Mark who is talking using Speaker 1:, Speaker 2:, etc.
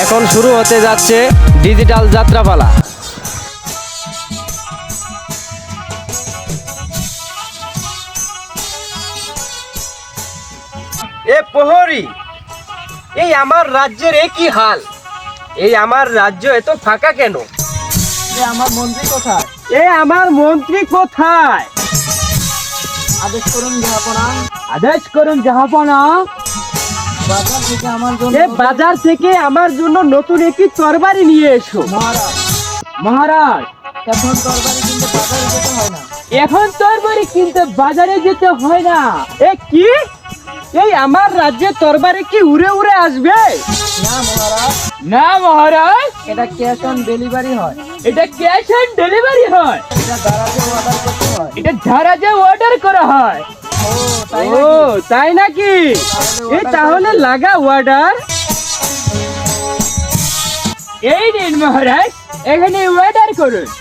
Speaker 1: এখন শুরু হতে যাচ্ছে ডিজিটাল যাত্রাপালা। এ প্রহরী, এই আমার রাজ্যের একই হাল। এই আমার রাজ্য এত ফাঁকা কেন?
Speaker 2: আমার মন্ত্রী কোথায়?
Speaker 1: আমার মন্ত্রী কোথায়?
Speaker 2: আদেশ করুন জাহাপনা।
Speaker 1: আদেশ করুন জাহাপনা।
Speaker 2: বাজার থেকে আমার জন্য
Speaker 1: বাজার থেকে আমার জন্য নতুন একটি তরবারি নিয়ে এসো।
Speaker 2: মহারাজ,
Speaker 1: মহারাজ,
Speaker 2: এখন তরবারি কিনতে বাজারে যেতে হয় না।
Speaker 1: এখন তরবারি কিনতে বাজারে যেতে হয় না। কি? এই আমার রাজ্যে তরবারি কি উড়ে উড়ে আসবে?
Speaker 2: না মহারাজ,
Speaker 1: না মহারাজ,
Speaker 2: এটা ক্যাশ অন ডেলিভারি হয়।
Speaker 1: এটা ক্যাশ অন ডেলিভারি হয়।
Speaker 2: এটা দারাজে অর্ডার করতে হয়।
Speaker 1: এটা ধারাজে অর্ডার করা হয়।
Speaker 2: ও তাই
Speaker 1: ও
Speaker 2: নাকি?
Speaker 1: তাই নাকি? তাহলে লাগা অর্ডার। এই নিন মহারাজ, এখানে অর্ডার করুন।